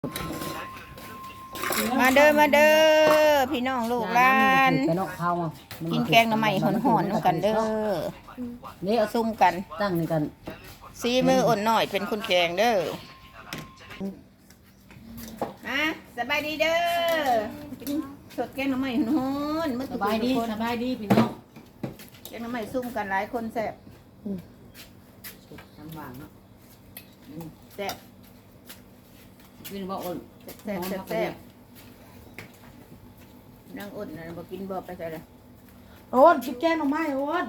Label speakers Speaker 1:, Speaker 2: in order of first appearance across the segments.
Speaker 1: มาเด้อพี่น้องลูกหลานกินแกงหน่อไม้หอนๆกันเด้อนี่เอาซุ่มกัน
Speaker 2: ตั้งนี่กัน
Speaker 1: ซีมืออ่อนหน่อยเป็นคนแกงเด้อสบายดีเด้อสดแกงหน่อไม้หอนๆ
Speaker 2: สบายดีพี่น้อง
Speaker 1: แกงหน่อไม้ซุ่มกันหลายคนแซ่บ
Speaker 2: ทำหวานเนาะ
Speaker 1: แซ่บ
Speaker 2: กินบ่อ่อน
Speaker 1: แซ่บนั่งอ่อนนะบ่กินบ่ไปใส่ละ
Speaker 3: โอนกินแกงหน่อไม้โอน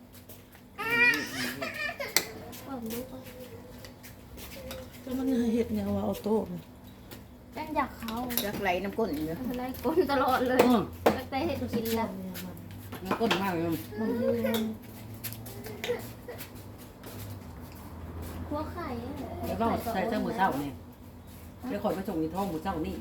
Speaker 3: ก็มันเห็ดเนี่ยว่าเอาโต๊ะ
Speaker 4: แป้งอยากเขา
Speaker 1: จักไหลน้ำก้นอยู่
Speaker 4: อะไรก้นตลอดเลยตั้งแต่เห็ดกินแล้ว
Speaker 2: มันก้นมากเลย
Speaker 4: หัวไข่
Speaker 2: แล้วก็ใส่เสื้อหมูเช้าเนี่ยเดี๋ยวคอยมาส่งในท้องหมูเช้านี่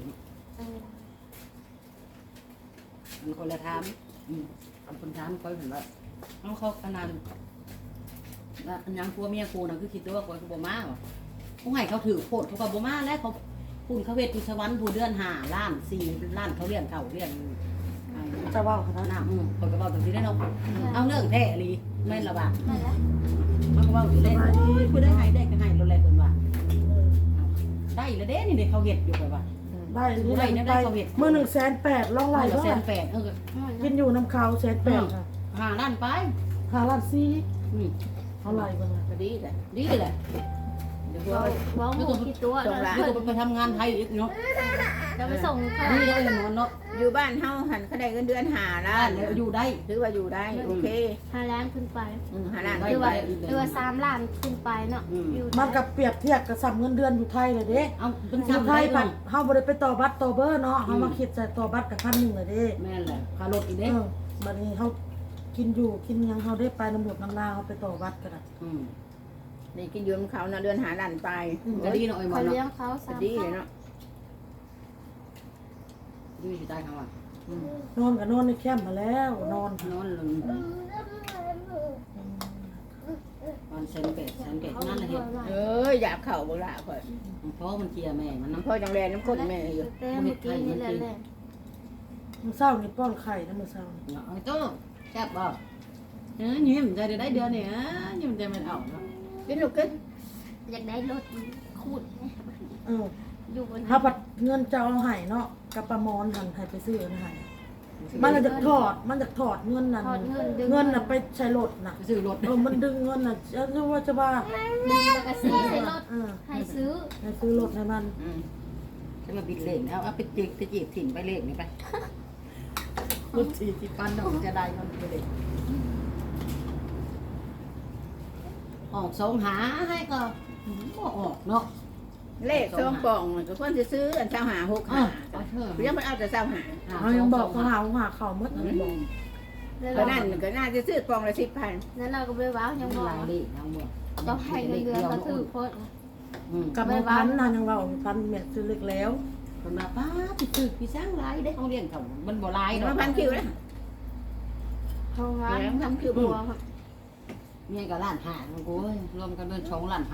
Speaker 2: มันคนละทามคนทามคอยเห็นว่าต้องเข้าขนาดยังกลัวเมียกูนะคือคิดว่าคอยกูบ่มาหรอผู้ให้เขาถือโคตรเขาก็บ่มาแล้วเขาพูดเขาเวทจุสวรรค์ผู้เดือน5 ล้าน 4 ล้านเขาเรียนเขาเรียน
Speaker 3: จะว่าเขา
Speaker 2: หน้าคนก็บอกตรงที่ได้เนาะเอาเรื่องแท้ลีไม่ระบาด
Speaker 4: ไม่ละ
Speaker 2: มันก็ว่าอยู่เล่นผู้ได้ให้ได้ก็ให้รถแรงคนว่าได้แล้วเด้นี่เขาเห็ดอยู่แบบว่า
Speaker 3: ได้เมื่อ180,000ล่องไหลก็
Speaker 2: 180,000
Speaker 3: กินอยู่น้ำเขา180,000
Speaker 2: 5 ล้านไป
Speaker 3: 5 ล้าน4เอาไหลบ้าง
Speaker 2: ดีแหละเดี๋ยว
Speaker 4: ว้าวหมูกี่ตัว
Speaker 2: ไปทำงานไทยอีกเนาะ
Speaker 4: จะไปส่ง
Speaker 2: นี่ได้นอนเนาะ
Speaker 1: อยู่บ้านเฮาหันเขาได้เงินเดือน5 ล้าน
Speaker 2: อยู่ได้
Speaker 1: ถือว่าอยู่ได้โอเค
Speaker 4: 5 ล้านขึ้นไป
Speaker 1: 5 ล้าน
Speaker 4: หรือว่า3 ล้านขึ้นไปเนาะ
Speaker 3: มันกับเปรียบเทียบกับสับเงินเดือนอยู่ไทยเลยเด้
Speaker 2: เอาเป็น
Speaker 3: อยู่ไทยปัดเฮาบ่ได้ไปต่อบัตรต่อเบอร์เนาะเฮามาคิดใส่ต่อบัตรกับ1,000เลยเด้
Speaker 2: แม่นแหละค่ารถอีกเด้
Speaker 3: บัดนี้เฮากินอยู่กินยังเฮาได้ไปน้ำหมดน้ำลาเฮาไปต่อบัตรกัน
Speaker 1: นี่กินยืมเขาเดือน5 ล้านไป
Speaker 2: ก็ดีเนาะไอ้หมอ
Speaker 4: เนาะ
Speaker 2: เ
Speaker 4: ลี้ยงเขา
Speaker 1: ดีเลยเนาะ
Speaker 2: ดีอยู่ใต้เขาอ่ะ
Speaker 3: นอนกับนอนในแคมป์มาแล้วนอน
Speaker 2: ลงมันเซนเป็ดนั่นแหละเห็
Speaker 1: ดอยากเข่าบ่ละข่อย
Speaker 2: เพราะมันเคียแม่มัน
Speaker 1: น้ำพ่อจังแรงน้ำข้นแม่อยู่
Speaker 4: เมื่อกี้นี่แหละ
Speaker 3: มื้อเช้านี่ป้อนไข่นะมื้อเช้า
Speaker 2: ไอ้โต้แซ่บบ่ยิ้มใจได้เดือนนี่ยิ้มใจมันออก
Speaker 1: กินลูกกิน
Speaker 4: อยากได้รถคูด
Speaker 3: อยู่บนถ้าปัดเงินจะเอาให้เนาะกับประมอนหันให้ไปซื้อให้มันจะถอดเงินนั่นเงินน่ะไปใช้รถน่ะ
Speaker 2: ซื้อรถ
Speaker 3: มันดึงเงินน่ะจะว่าจะว่า
Speaker 4: ดึงแล้วก็ซื้อใช้รถให้ซื้อ
Speaker 3: รถให้มัน
Speaker 2: จะมาบิดเลขเอาไปจีบถิ่นไปเลขนี่ไปรถ40 ปันดอกจะได้มันไปเลยออกสองหาให้ก็ออกเนาะ
Speaker 1: เลขซองปองก็ควรจะซื้ออัน25 65ยังมันเอาแต่25
Speaker 3: เขายังบอกเขาหาเขาหมด
Speaker 1: ก็นั่นก็น่าจะซื้อปองละ10,000
Speaker 4: นั่นเราก็ไปว้าวยังบอกต้องให้เงินเดือนก็ถือโคตร
Speaker 3: กับพันนะยังว่าพันเม็ดซื้อเล็กแล้ว
Speaker 2: คนมาป้าพี่สร้างไรได้เขาเรียนเขามันบ่ไร
Speaker 1: เนาะพันคิวนะ
Speaker 4: เขาว่าทำคิวบัว
Speaker 2: เมียกับล้าน5กูรวมกันเป็น2 ล้าน 5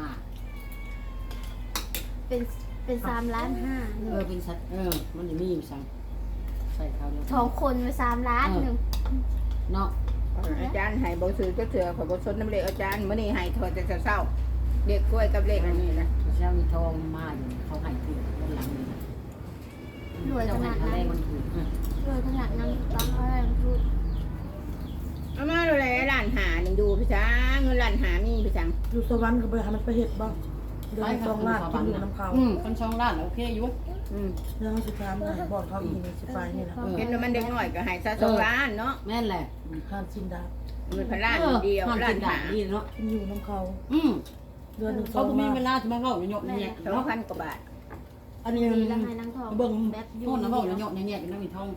Speaker 4: เป็น3 ล้าน 5
Speaker 2: เป็นสัตว์มันจะมีอยู่สั่งใส่เขาเดี
Speaker 4: ยว2 คนไป3 ล้านนึง
Speaker 2: เนาะ
Speaker 1: อาจารย์ให้บ่ซื้อก็เถื่อขอบ่สนน้ำเลขอาจารย์มื้อนี้ให้โทษแต่เช้าเด็กกล้วยกับเลขอันนี้นะ
Speaker 2: เช้ามีทองมาอยู่เขาให้ถือด้านหลังนี่
Speaker 4: รวยขนาดนั้น
Speaker 2: มันถือ
Speaker 4: รวยขนาดนั้นต้องอะไรพูด
Speaker 1: เอามาดูเลยล้าน5นึงดูพี่ช้างเงินล้าน5มีพี่ช้าง
Speaker 3: อยู่สวรรค์ก็ไปหามันไปเฮ็ดบ่เดือน2 ล้านกินอยู่น้ำเขา
Speaker 2: คน2 ล้านโอเคอยู่
Speaker 3: เรื่องสิถามให้บอกเขาอีกนี่สิไปนี่นะ
Speaker 1: เห็นว่ามันเด็กน้อยก็ให้ซะ2 ล้านเนาะ
Speaker 2: แม่นแหละ
Speaker 3: ค่าชินดา
Speaker 1: เงิน1,000 ล้านเดียวล้าน5
Speaker 2: นี่เนาะ
Speaker 3: กินอยู่น้ำเขาเดือนนึง
Speaker 2: เขาบ่มีเวลาจะมาเว้าหยอกแยะ
Speaker 1: 2,000 กว่าบาท
Speaker 2: อันนี้แล้วให้นางทองเบิ่งแบบอยู่นะเว้าหยอกแยะๆกันแล้วมีทอง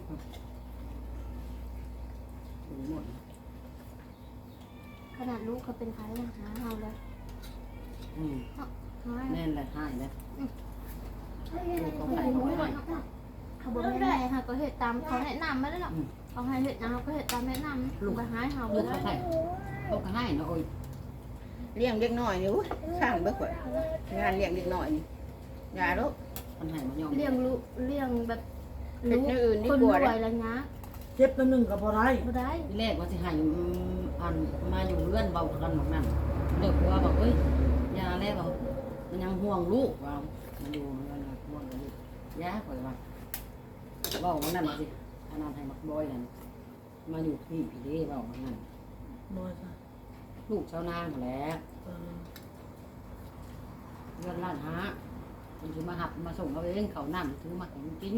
Speaker 2: หมด
Speaker 4: ขนาดลูกเขาเป็นใครนะหาเฮาเลย
Speaker 2: แน่นเลยหายเลย
Speaker 4: เขาบอกไม่ได้ค่ะก็เหตุตามเขาแนะนำไม่ได้หรอกเขาให้เหตุนะเขาก็เหตุตามแนะนำลูกไปหายเขา
Speaker 2: ลูกเขาให้ลูกเขาให้เนาะโอ้ย
Speaker 1: เลี้ยงเด็กน้อยนี่ข้างเบิกว่างานเลี้ยงเด็กน้อยนี่อย่าลูก
Speaker 2: มันให้มันยอม
Speaker 4: เลี้ยงลูกเลี้ยงแบบ
Speaker 1: เฮ็ดอย่างอื่นดี
Speaker 4: คน
Speaker 1: ก
Speaker 4: ร
Speaker 1: ว่า
Speaker 4: วยแล้วนะ
Speaker 3: เจ็บตัวหนึงก็บ่ได้
Speaker 4: บ่ได้
Speaker 2: ที่แรกว่าสิให้อันมาอยู่เรือนเบากันหมดนั่นเลิกว่าบอกเอ้ยยาแล้วบอกมันยังห่วงลูกว่ามันอยู่เรือนห่วงลูกยาข่อยว่าเว้ามันนั่นว่าสิอันนั้นให้มักบอยนั่นมาอยู่พี่พี่เด้เว้ามันนั่น
Speaker 3: บ่จ้ะ
Speaker 2: ลูกชาวนางแหละ
Speaker 3: เออ
Speaker 2: เรือนล้านหามันสิมาหับมาส่งเขาเองเขานั่งถือมาให้มันกิน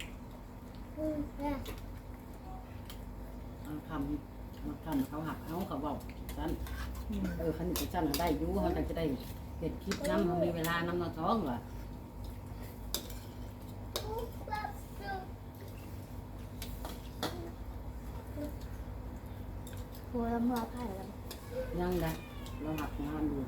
Speaker 2: คำเขาหักเอาเขาบอกฉันคันนี้ฉันได้อยู่เขาจะได้เห็ดคลิปน้ำมันมีเวลาน้ำนอนท้องเหรอ
Speaker 4: ผัวลำบากไผ่แล้ว
Speaker 2: ยังไงเราหักงานอยู่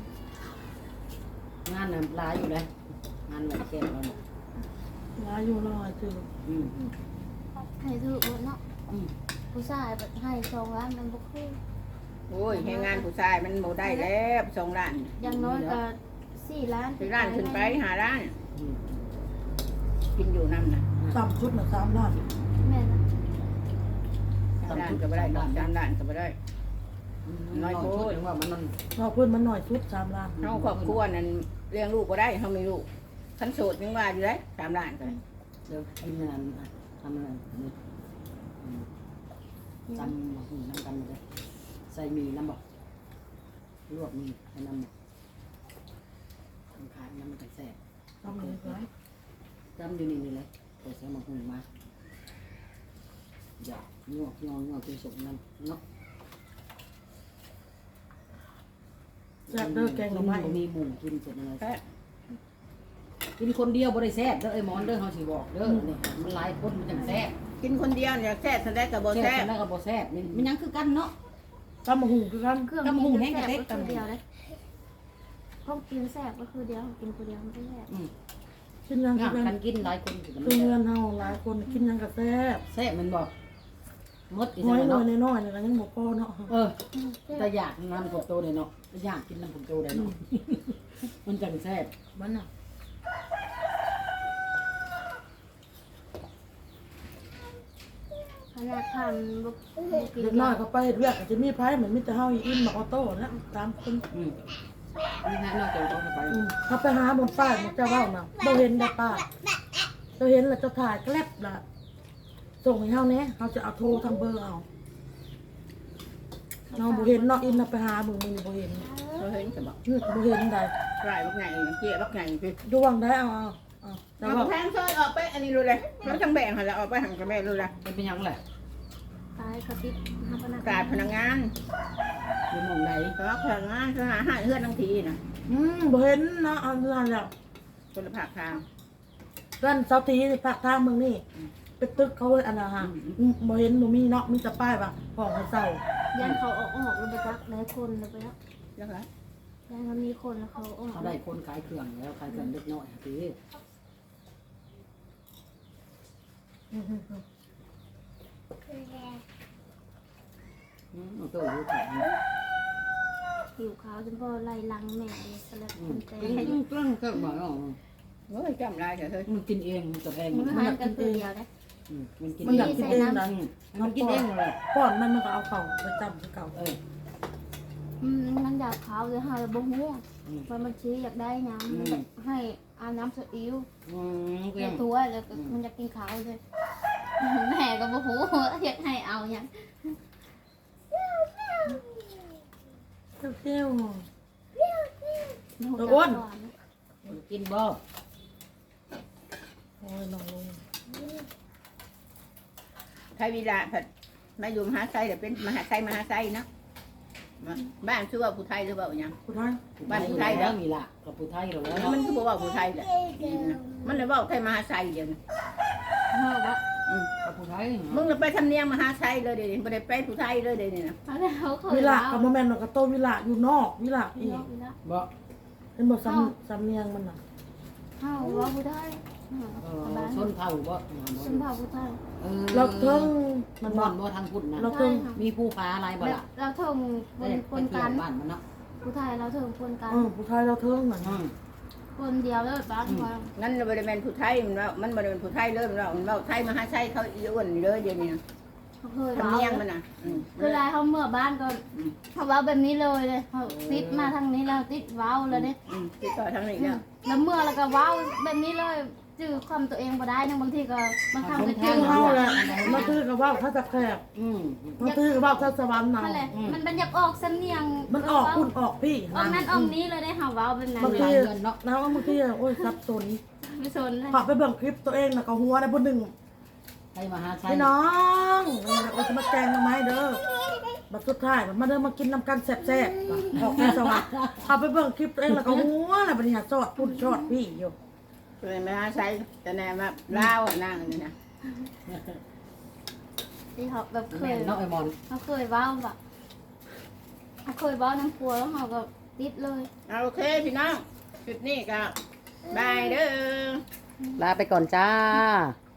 Speaker 2: งานน่ะหลายอยู่เลยงานไหวแก่เราเนี่ย
Speaker 3: ลาอยู่รอยจือ
Speaker 4: ให้ถือหมดเนาะผู้ชายแบบให้2 ล้านมันบ่คือ
Speaker 1: โอ้ยให้งานผู้ชายมันบ่ได้แล้ว2 ล้าน
Speaker 4: อย่างน้อยก็4 ล้าน
Speaker 1: 4 ล้านขึ้นไป5 ล้านกินอยู่นำน่ะ
Speaker 3: ต่ำชุดน่ะ3ล้าน
Speaker 4: แม่นะ
Speaker 1: 3 ล้านก็บ่ได้ดอก3 ล้านก็บ่ได้
Speaker 2: น้อยโคตรว่ามัน
Speaker 3: เราเพิ่นมันน้อยชุด3ล้าน
Speaker 1: เฮาครอบครัวนั้นเลี้ยงลูกบ่ได้เฮามีลูกคันโสดยังว่าอยู่ได้3 ล้านก็
Speaker 2: เดี๋ยวกินงานทำอะไรนี่จำน้ำกันเลยใส่มีน้ำบอกลวกมีใส่น้ำขายน้ำมันแสบ
Speaker 3: ทำเลยครับ
Speaker 2: จำอยู่นี่เลยไปใส่หมกหุ่นมาอย่างวกคือสุกนั่นเนาะ
Speaker 3: แซ่บเด้อแกงหน่อไม้
Speaker 2: มีหมูกินเสร็จเลยกินคนเดียวบ่ได้แซ่บเด้อไอ้หมอนเด้อเฮาสิบอกเด้อนี่มันหลายคนมันจังแซ่บ
Speaker 1: กินคนเดียวเนี่ยแซ่บสันได้ก็บ่แซ่บ
Speaker 2: แล้วก็บ่แซ่บนี่มันยังคือกันเนาะ
Speaker 3: ตำบักหุ่งคือกัน
Speaker 4: เครื่อง
Speaker 2: กำหุงแห้ง
Speaker 4: แซ่
Speaker 2: กะ
Speaker 4: บ
Speaker 2: เต็ก
Speaker 4: ก็คือ
Speaker 2: กำหุง
Speaker 4: เดียวเลยห้องกินแซ่บก็คือเดียวกินคนเดียวมันไม่แซ่บ
Speaker 3: กินหยังคื
Speaker 2: งา
Speaker 3: อกัน
Speaker 2: กันกินหลายคนคือมัน
Speaker 3: คือเงินเฮาหลายคนกินหยังก็แซ่บ
Speaker 2: แซ่บมันบอกมดอี
Speaker 3: น้อย
Speaker 2: เนาะ
Speaker 3: น้อยๆนี่ก็ยังบ่พอเนาะ
Speaker 2: แต่อยากนำผมโตได้เนาะอยากกินนำผมโตได้เนาะมันจังแซ่บ
Speaker 3: มันน่ะ
Speaker 4: ขนาดทำบุกกิน
Speaker 3: เด็กน้อยเขาไปเฮ็ดเวียกก็จะมีไผเหมือนมีแต่เฮาอีอิ่มมาออโต้นะ3คน
Speaker 2: นี่ฮะนอกจากต้องไป
Speaker 3: เขาไปหาบนป้ายมันจะเว้าน่ะบ่เห็นได้ป้าเราเห็นแล้วจะถ่ายแกลบล่ะส่งให้เฮาแหน่เฮาจะเอาโทรทางเบอร์เอาเราบ่เห็นเนาะอินน่ะไปหามึงบ่เห็น
Speaker 1: เราเห็นก็บอก
Speaker 3: บ่เห็นได้
Speaker 1: รายบักไงเจี๊ยบักไงไป
Speaker 3: ดวงได้เอาแต่
Speaker 1: เอา
Speaker 3: ว่า
Speaker 1: แพงซอยออกไปอันนี้รู้เลยเราทั้งแบ่งหั่นแล้วออกไปหันกับแม่รู้เลย
Speaker 2: เป็นยังไง
Speaker 4: ตายเขาติดหาพนัก
Speaker 1: กาดพนักงาน
Speaker 2: อยู่มองไหน
Speaker 1: เพราะว่าพนักงานเขาหาเฮือนทั้งทีน่ะ
Speaker 3: บ่เห็นเนาะอันนั้นแล้ว
Speaker 1: คนละภาคทาง
Speaker 3: ด้านเสาทีภาคทางเมืองนี่เป็นตึกเขาอันน่ะฮะบ่เห็นบ่มีเนาะมีแต่ป้ายว่าห้องให้เช่า
Speaker 4: ยันเขาออกแล้วไปจักหลายคนเลยไปแล้ว
Speaker 1: แล้วก็
Speaker 4: ยันเขามีคนแล้วเขาออก
Speaker 2: เขาได้คนขายเครื่องแล้วขายเครื่องเล็กน้อยทีมันตัวอยู่แข็ง
Speaker 4: หิวข้าวจนพอไล่ลังแม่เลยสลับคนแต่
Speaker 2: กินเครื่องเครื่องหน่อยอ๋อ
Speaker 1: โอ้ยจำลายเถอะเฮ้ย
Speaker 2: มันกินเองมันจะแพง
Speaker 4: มันหารกันตัวเดียวเลย
Speaker 2: มันกิน
Speaker 3: มันอยากกินเองนะ
Speaker 2: มันกินเองเลย
Speaker 3: ป้อนมันก็เอาเข้าไปจำคือเก่า
Speaker 4: มันอยากขาวเลยหาบ่ฮู้มันชี้อยากได้น้ำให้อาน้ำสอิ๊ว
Speaker 2: เกี่ยง
Speaker 4: ตัวแล้วมันจะกินขาวเลยแม่ก็บ่ฮู้อยากให้เอาอย่าง
Speaker 3: เที่ยว
Speaker 2: กินบ่
Speaker 3: โอ้ยน้องลง
Speaker 1: ไทยวิลาผัดมาอยู่มหาไซเดี๋ยวเป็นมหาไซเนาะบ้านชื่อว่าผู้ไทยหรือเปล่าอย่าง
Speaker 3: คุณท้าย
Speaker 2: บ้านผู้ไทยแล้วมีละกับผู้ไทยเราแล้ว
Speaker 1: มันคือบอกว่าผู้ไทยแหละมันเลยว่าไทยมหาไซเดี๋ยวนี้
Speaker 4: เฮาว่า
Speaker 2: กับผู้ไทย
Speaker 1: มึงเลยไปทำเนียงมหาไซเลยเดี๋ยวนี้ไม่ได้ไปผู้ไทยเลยเดี๋ยวนี้นะ
Speaker 4: เขาเคย
Speaker 3: วิลากับโมเมนต์กับโตวิลาอยู่นอกวิลาอีก
Speaker 2: บ่
Speaker 3: เป็นบทสำเนียงมันน่ะ
Speaker 4: เฮาว่าผู้ได้
Speaker 2: ชนเผ่าบ่
Speaker 4: ชนเผ่าผู้ไทย
Speaker 3: เราเทิงมั
Speaker 2: มัน น
Speaker 3: บ
Speaker 2: บ่
Speaker 3: อก
Speaker 2: บ่ทางพุทธนะ
Speaker 3: เราเทิง
Speaker 2: มีผู้ฟ้าอะไรบ่ล่ะ
Speaker 4: เราเทิงคนกัน
Speaker 2: บ้านมันเนาะ
Speaker 4: ผู้ไทยเราเทิงคนกัน
Speaker 3: ผู้ไทยเราเทิงเหมือน
Speaker 4: เคนเดียวเลยบ้านว่า
Speaker 1: นั่นบริเวณผู้ไทยมันว่ามันบริเวณผู้ไทยเลยมันว่าไทยมาหาไทยเขาอีอ้วนเลยเดี๋ยวนี้
Speaker 4: เขาเคย
Speaker 1: ทำ
Speaker 4: เว้า
Speaker 1: เนียงมันน่ะ
Speaker 4: คือลายเขาเมื่อบ้านก็เขาเว้าแบบนี้เลยเขาติดมาทางนี้แล้วติดเว้าเลยเนี่ย
Speaker 1: ติดต่อทางนี้แล้ว
Speaker 4: แล้วเมื่อแล้วก็เว้าแบบนี้เลยจื้อความตัวเองบ่ได้นะบางทีก็บางครั้งก็
Speaker 3: จื้
Speaker 4: จื้
Speaker 3: อ
Speaker 4: อ
Speaker 3: เฮาแหละมาตื้อกับว่าถ้าจะแคบมาตื้อกับว่าถ้าสวรรค์น่ะ
Speaker 4: นั่นแหละมันเป็นอยากออกสำเนียง
Speaker 3: มันออกคุณออกพี่
Speaker 4: ออกนั้นออกนี้เลยได้เฮาเว้าแบบนั้น
Speaker 3: บาง
Speaker 4: เล
Speaker 3: ที
Speaker 4: ย
Speaker 3: นะบางทีโอ้ยสับสน
Speaker 4: ไม่สนเลย
Speaker 3: พอไปเบิ่งคลิปตัวเองน่ะก็หัวได้ผู้หนึ่ง
Speaker 2: ใครมาหาใช้
Speaker 3: พี่น้องเราจะมาแกงทำไมเด้อบัดสุดท้ายมาเด้อมากินน้ำกันแซ่บๆออกในสวรรค์พอไปเบิ่งคลิปตัวเองแล้วก็หัวแล้วบัดนี้สอดพุ่นสอดพี่อยู่
Speaker 1: เลยไม่หาไทยแต่แน่มาลาวนั่งนี่นะ
Speaker 4: ที่เขาแบบเค
Speaker 2: แม่
Speaker 4: ย
Speaker 2: เนาะไอ้มอน
Speaker 4: เขาเคยเว้าแบบเขาเคยเว้าน้ำครัวแล้วเขาก็ติดเลย
Speaker 1: โอเคพี่น้องจุดนี้ก็บายเด้อ
Speaker 2: ลาไปก่อนจ้า